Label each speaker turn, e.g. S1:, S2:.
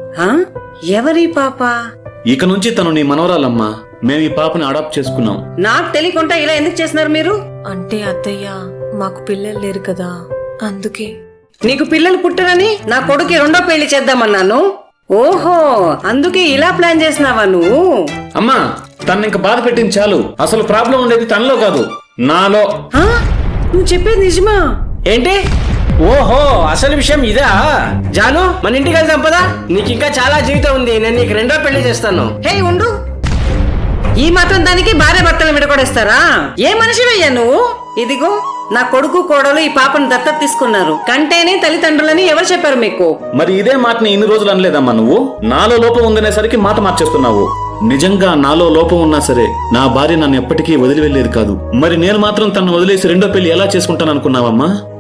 S1: ఎవరి పాప?
S2: ఇక నుంచి తను నీ మనవరాలమ్మా. మేము ఈ పాపని అడాప్ట్ చేసుకున్నాం.
S1: నాకు తెలియకుండా ఇలా ఎందుకు చేస్తున్నారు మీరు?
S3: అంటే అత్తయ్య మాకు పిల్లలు లేరు కదా, అందుకే.
S1: నీకు పిల్లలు పుట్టరని నా కొడుకు రెండో పెళ్లి చేద్దామన్నాను. ఓహో, అందుకే ఇలా ప్లాన్ చేసినావా నువ్వు?
S2: అమ్మా, తను ఇంక బాధ పెట్టింది చాలు. అసలు ప్రాబ్లం ఉండేది తనలో కాదు, నాలో.
S1: నువ్వు చెప్పేది నిజమా?
S4: ఏంటి? ఓహో, అసలు విషయం ఇదా? జాను, మన ఇంటికి వెళ్దాం పదా. నీకు ఇంకా చాలా జీవితం ఉంది. నేను నీకు రెండో పెళ్లి చేస్తాను.
S1: హే ఉండు, ఈ మాత్రం దానికి భార్య భర్తలు విడగొడేస్తారా? ఏ మనిషివయ్యా నువ్వు? ఇదిగో నా కొడుకు కోడలు ఈ పాపను దత్తత తీసుకున్నారు. కంటేనే తల్లిదండ్రులని ఎవరు చెప్పారు మీకు?
S2: మరి ఇదే మాటని ఇన్ని రోజులు అనలేదమ్మా నువ్వు? నాలో లోపం ఉందనేసరికి మాట మార్చేస్తున్నావు. నిజంగా నాలో లోపం ఉన్నా సరే నా భార్య నన్ను ఎప్పటికీ వదిలి వెళ్లేది కాదు. మరి నేను మాత్రం తను వదిలేసి రెండో పెళ్లి ఎలా చేసుకుంటాను అనుకున్నావమ్మా?